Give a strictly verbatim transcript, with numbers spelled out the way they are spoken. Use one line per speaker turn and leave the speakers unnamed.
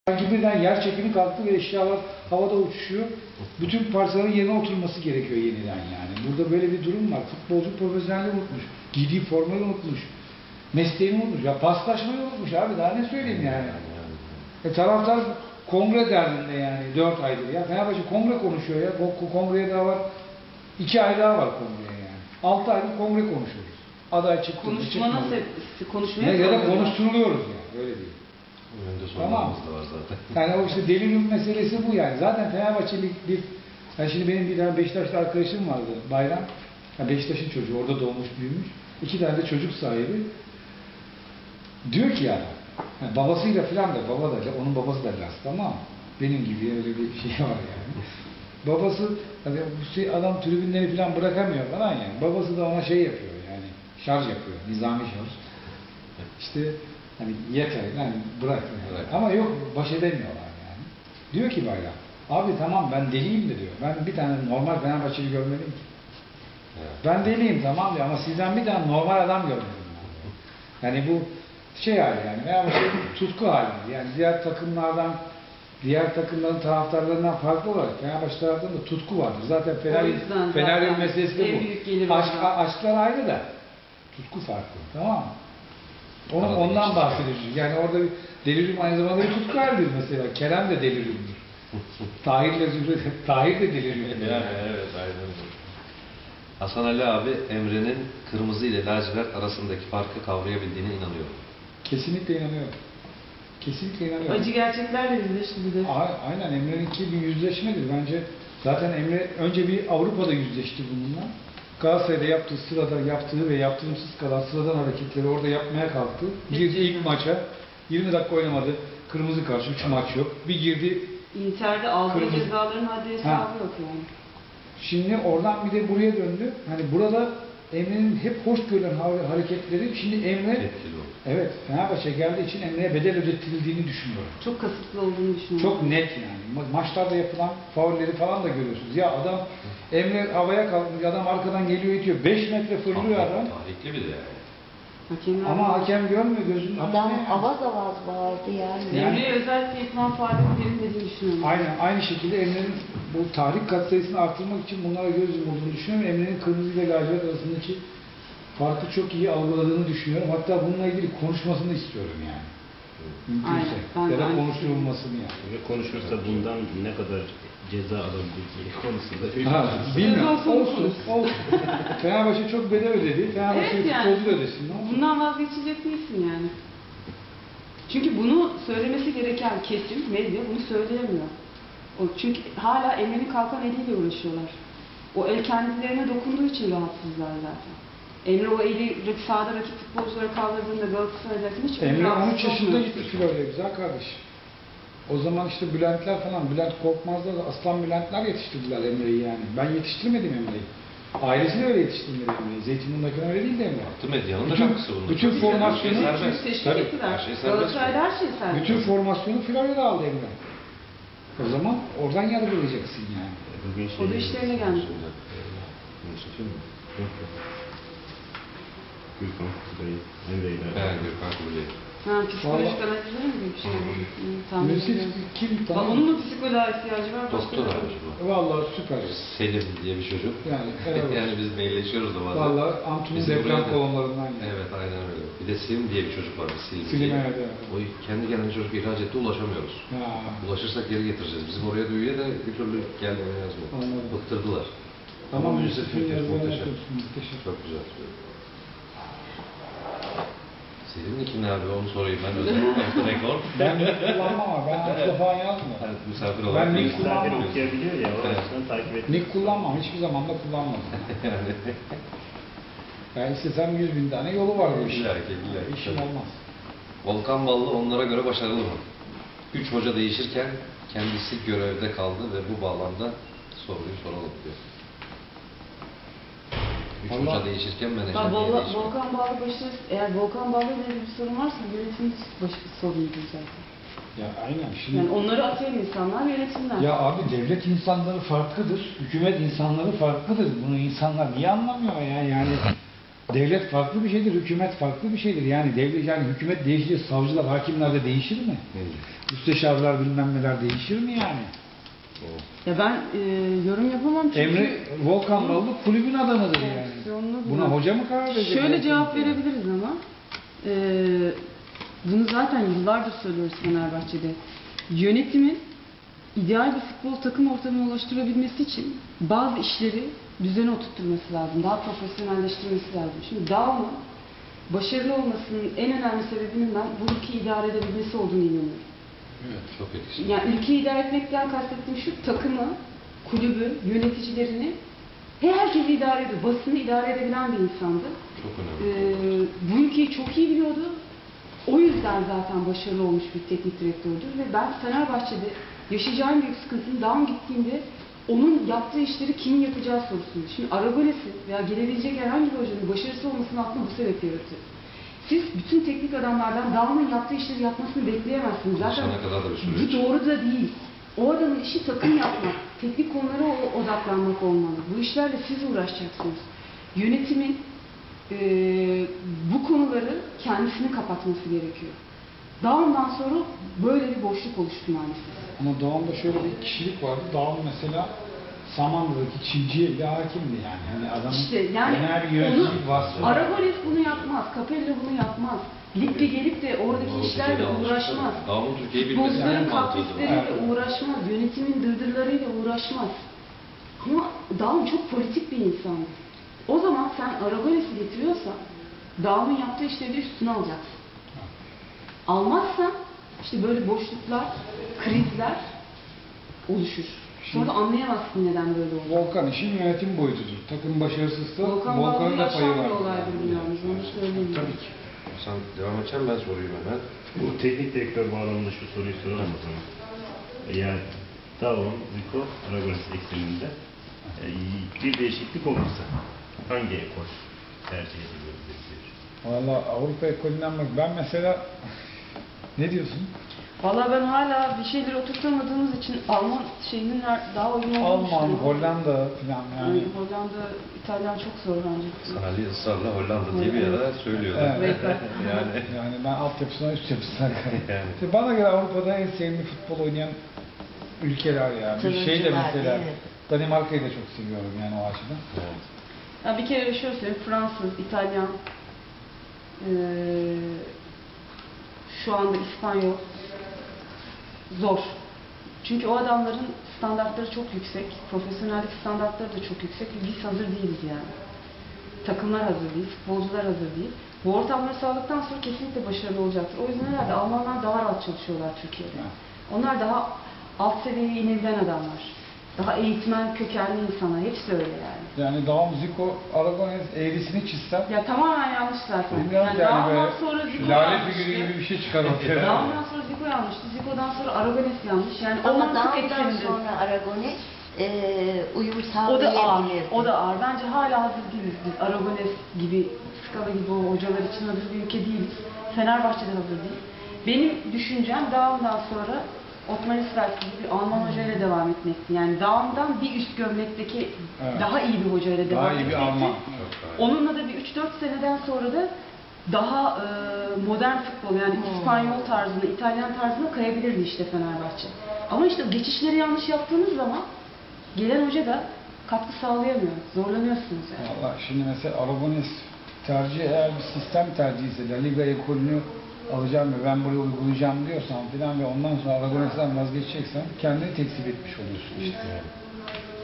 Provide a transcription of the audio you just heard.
Sanki birden yer çekimi kalktı ve eşyalar havada uçuşuyor. Bütün parçaların yerine oturması gerekiyor yeniden yani. Burada böyle bir durum var. Futbolcu profesyonelliği unutmuş. Giydiği formayı unutmuş. Mesleğini unutmuş. Ya paslaşmayı unutmuş abi. Daha ne söyleyeyim yani. E taraftar kongre derdinde yani dört aydır ya. Fenerbahçe kongre konuşuyor ya. Kongreye daha var. iki ay daha var kongreye yani. altı aydır kongre konuşuyoruz. Aday çıktı.
Konuşma nasıl? Konuşmaya
ya da konuşturuluyoruz yani. Öyle değil. Tamam.
Da var zaten.
Yani o işte delirium meselesi bu yani. Zaten Fenerbahçeli bir, yani şimdi benim bir tane Beşiktaşlı arkadaşım vardı, Bayram. Yani Beşiktaş'ın çocuğu, orada doğmuş, büyümüş. İki tane de çocuk sahibi. Diyor ki yani, yani babasıyla filan da, baba da, onun babası da Laz, tamam mı? Benim gibi öyle bir şey var yani. Babası, hani şey, adam tribünleri filan bırakamıyor falan yani. Babası da ona şey yapıyor yani, şarj yapıyor, nizami şarj. İşte hani yeter, yani bırak yani. Evet. Ama yok, baş edemiyorlar yani. Diyor ki Bayram, abi tamam ben deliyim de diyor. Ben bir tane normal Fenerbahçeli görmedim ki. Evet. Ben deliyim tamam diyor ama sizden bir tane normal adam görmedim. Yani, yani bu şey hali yani, veya şey tutku hali. Yani diğer takımlardan, diğer takımların taraftarlarından farklı olarak Fenerbahçe taraftarında da tutku vardır. Zaten Fener'in Fener meselesi de bu. Aşk, aşklar ayrı da tutku farklı, tamam mı? Onu,
Arada
ondan bahsediyoruz. Yani orada bir delirium aynı zamanda bir tutku halidir mesela. Kerem de deliriumdur. Tahir'le Zühre, Tahir de deliriumdur.
Yani, evet, aynen öyle. Hasan Ali abi Emre'nin kırmızı ile lacivert arasındaki farkı kavrayabildiğine inanıyor.
Kesinlikle inanıyorum. Kesinlikle inanıyorum.
Acı gerçeklerle yüzleşti bir de.
Aynen, Emre'ninki bir yüzleşmedir. Bence zaten Emre önce bir Avrupa'da yüzleşti bununla. Galatasaray'da yaptığı sırada yaptığı ve yaptırımsız kalan sıradan hareketleri orada yapmaya kalktı. Girdi ilk maça, yirmi dakika oynamadı. Kırmızı karşı, üç maç yok. Bir girdi.
Inter'de aldığı
kırmızı...
cezaların haddi hesabı yok yani.
Şimdi oradan bir de buraya döndü. Hani burada Emre'nin hep hoş görülen hareketleri, şimdi Emre, evet Fenerbahçe geldiği için Emre'ye bedel ödetildiğini düşünüyorum.
Çok kasıtlı olduğunu düşünüyorum.
Çok net yani. Ma maçlarda yapılan faulleri falan da görüyorsunuz. Ya adam, Emre havaya kalkmış, adam arkadan geliyor itiyor. beş metre fırlıyor adam.
Tarihli bir de yani.
Hakem
Ama hakem görmüyor gözünün
Adam
önünde.
avaz avaz bağırdı yani.
yani. Emre'ye özellikle yapılan faaliyet verilmediğini düşünüyorum.
Aynen, aynı şekilde Emre'nin bu tahrik katsayısını artırmak için bunlara göz yumulduğunu düşünüyorum. Emre'nin kırmızı ile lacivert arasındaki farkı çok iyi algıladığını düşünüyorum. Hatta bununla ilgili konuşmasını istiyorum yani. Mümkünse.
Aynen,
ya da
aynen.
konuşturulmasını yani.
Ve konuşursa bundan ne kadar ceza alabileceği konusunda
Ha, bilmiyorum.
Olsun,
Olsun. Olsun. Fenerbahçe çok bedel ödedi. Fenerbahçe
Evet yani.
futbolcu da ödesin. Ne olsun?
Bundan vazgeçecek değilsin yani. Çünkü bunu söylemesi gereken kesim, medya bunu söyleyemiyor. O, çünkü hala Emre'nin kalkan eliyle uğraşıyorlar. O el kendilerine dokunduğu için rahatsızlar zaten. Emre o eli sahada rakip futbolculara kaldırdığında Galatasaray'da hiç
Emre on üç yaşında gitti kiloyla güzel kardeş. O zaman işte Bülentler falan, Bülent Korkmaz'da da Aslan Bülentler yetiştirdiler Emre'yi yani. Ben yetiştirmedim Emre'yi. Ailesi de öyle yetiştirmedi Emre'yi. Zeytinburnu'ndaki öyle değil de Emre.
Altı medyanın da
bütün,
katkısı bunun.
bütün formasyonu,
teşvik
tabii,
ettiler.
her şey serbest.
Galatasaray'da her şey serbest.
bütün formasyonu Florya'da aldı Emre. O zaman oradan yargılayacaksın yani.
bugün
O da işlerine gelmiş.
Gürkan Kubilay, Emre'yle.
Evet, Gürkan Kubilay.
Ha, psikolojik analizleri mi bir şey? Tamam.
Birisi kim
Bak,
tamam.
onun da psikoloğa ihtiyacı var.
Doktor abi bu.
Vallahi süper.
Selim diye bir çocuk.
Yani, evet.
yani biz mailleşiyoruz da bazen.
Vallahi Antu'nun
Biz
deprem
buraya da-
kolonlarından yani.
Evet, aynen öyle. Bir de Selim diye bir çocuk var. Selim.
Selim,
diye.
evet, evet.
O kendi kendine çocuk ihraç etti, ulaşamıyoruz.
Ya.
Ulaşırsak geri getireceğiz. Bizim oraya da üye de bir türlü gelmeye yazmıyor.
Anladım.
Bıktırdılar.
Tamam,
Ama
Yusuf'un
müthiş,
yazılarını
muhteşem.
yapıyorsun, muhteşem.
Çok güzel. Selim'in kim abi onu sorayım ben özellikle rekor.
Ben nick kullanmam ama ben Antu'da falan yazmıyorum.
Yani misafir
Ben
olarak.
nick
değil.
Misafir
kullanmam.
okuyabiliyor ya, o
Evet.
açıdan takip et.
Nick kullanmam, hiçbir zaman da kullanmadım.
yani.
Ben istesem yüz bin tane yolu var bu işin.
İlla ki, illa ki.
İşim olmaz.
Volkan Ballı onlara göre başarılı mı? Üç hoca değişirken kendisi görevde kaldı ve bu bağlamda soruyu soralım diyor. Üç
Allah.
hoca değişirken menajer
Bak,
niye
Vol
değişmiyor?
Volkan Bağlı başarısı, eğer Volkan Bağlı ile bir sorun varsa yönetim başı sorunuydu zaten.
Ya aynen şimdi.
Yani onları atayan insanlar yönetimler.
Ya abi devlet insanları farklıdır, hükümet insanları farklıdır. Bunu insanlar niye anlamıyor ya yani? devlet farklı bir şeydir, hükümet farklı bir şeydir. Yani devlet yani hükümet değişince savcılar, hakimler de değişir mi? Müsteşarlar bilmem neler değişir mi yani?
Ya ben e, yorum yapamam çünkü...
Emre Volkan Ballı kulübün adamıdır yani.
Opsiyonlu
Buna
bu.
hoca mı karar verecek?
Şöyle cevap verebiliriz ama e, bunu zaten yıllardır söylüyoruz Fenerbahçe'de. Yönetimin ideal bir futbol takım ortamı oluşturabilmesi için bazı işleri düzene oturtturması lazım. Daha profesyonelleştirmesi lazım. Şimdi Daum'un başarılı olmasının en önemli sebebinin ben bu ülkeyi idare edebilmesi olduğunu inanıyorum.
Evet, çok etkili.
Yani ülkeyi idare etmekten kastettiğim şu, takımı, kulübü, yöneticilerini, herkesi idare ediyor. Basını idare edebilen bir insandı.
Çok
Ee,
önemli.
bu ülkeyi çok iyi biliyordu. O yüzden zaten başarılı olmuş bir teknik direktördür. Ve ben Fenerbahçe'de yaşayacağım büyük sıkıntının Daum gittiğinde onun yaptığı işleri kimin yapacağı sorusunu. Şimdi Aragones'in veya gelebilecek herhangi bir hocanın başarısı olmasının aklını bu sebeple yaratıyor. Siz bütün teknik adamlardan Daum'un yaptığı işleri yapmasını bekleyemezsiniz. Zaten
Sana kadar da bir süreç.
bu doğru da değil. O adamın işi takım yapmak, teknik konulara o- odaklanmak olmalı. Bu işlerle siz uğraşacaksınız. Yönetimin eee, bu konuları kendisini kapatması gerekiyor. Daum'dan sonra böyle bir boşluk oluştu maalesef.
Ama Doğan'da şöyle bir kişilik vardı. Doğan mesela Samandıra'daki çinciye bile hakimdi yani. Hani adamın
İşte yani
genel bir
onu,
yönetici vasfı.
Aragones bunu yapmaz, Capello bunu yapmaz. Ligde gelip de oradaki
Doğru,
işlerle
Türkiye'de
uğraşmaz.
Davulun Türkiye'yi bilmesi
Futbolcuların
en mantıklı.
kaprisleriyle
Evet.
uğraşmaz, yönetimin dırdırlarıyla uğraşmaz. Ama Daum çok politik bir insandı. O zaman sen Aragones'i getiriyorsan Daum'un yaptığı işleri de üstüne alacaksın. Almazsan işte böyle boşluklar, krizler oluşur. Sonra da anlayamazsın neden böyle oldu.
Volkan işin yönetim boyutudur. Takım başarısızsa
Volkan
Volkan'ın
Ballı'yı
da payı
yaşayan
var.
bir olaydır bu yalnız, onu söyleyeyim.
Tabii ki.
Sen devam edeceksin, ben sorayım hemen.
Bu teknik direktör bağlamında şu soruyu soralım o zaman. Yani Daum, Zico, Aragones ekseninde e, bir değişiklik olursa hangi ekol tercih edilebilir?
Valla Avrupa ekolünden bak. Ben mesela ne diyorsun?
Valla ben hala bir şeyleri oturtamadığımız için Alman şeyinin daha uygun olduğunu
Alman,
düşünüyorum.
Hollanda falan yani.
Yani Hollanda, İtalyan çok zor bence.
Sana Ali ısrarla Hollanda diye bir ara söylüyorlar.
Evet.
yani
Yani ben altyapısına üst yapısına
Yani.
yani. Bana göre Avrupa'da en sevdiğim futbol oynayan ülkeler yani. Bir şey de
Turuncular,
mesela
evet.
Danimarka'yı da çok seviyorum yani o açıdan.
evet.
Ya bir kere şöyle söyleyeyim, Fransız, İtalyan, eee, şu anda İspanyol zor. Çünkü o adamların standartları çok yüksek, profesyonellik standartları da çok yüksek ve biz hazır değiliz yani. Takımlar hazır değil, futbolcular hazır değil. Bu ortamları sağladıktan sonra kesinlikle başarılı olacaktır. O yüzden herhalde Almanlar daha rahat çalışıyorlar Türkiye'de. Onlar daha alt seviyeye inebilen adamlar. Daha eğitmen kökenli insanlar. Hepsi öyle yani.
Yani Daum, Zico, Aragones eğrisini çizsem
Ya tamamen yanlış zaten.
bilmiyorum
Yani
yani
Daum'dan
böyle
sonra Zico
lale
yanlıştı.
figürü gibi bir şey çıkar ortaya.
Daum'dan sonra Zico yanlıştı. Zico'dan sonra Aragones yanlış. Yani o
Ama
mantık
Daum'dan
ekseninde.
sonra Aragones e, uyum
O da ağır.
sağlayabilir.
O da ağır. Bence hala hazır değiliz biz. Aragones gibi, Skala gibi o hocalar için hazır bir ülke değiliz. Fenerbahçe'de hazır değil. Benim düşüncem Daum'dan sonra Otmar İsrail gibi bir Alman hocayla devam etmekti. Yani Daum'dan bir üst gömlekteki
Evet.
daha iyi bir hocayla devam
Daha iyi bir
etmekti.
Alman.
Onunla da bir üç dört seneden sonra da daha e, modern futbol yani
Hmm.
İspanyol tarzına, İtalyan tarzına kayabilirdi işte Fenerbahçe. Ama işte geçişleri yanlış yaptığınız zaman gelen hoca da katkı sağlayamıyor. Zorlanıyorsunuz yani.
Valla şimdi mesela Aragones tercih eğer bir sistem tercih ise La Liga ekolünü alacağım ve ben buraya uygulayacağım diyorsan filan ve ondan sonra Aragones'ten vazgeçeceksen kendini tekzip etmiş oluyorsun işte.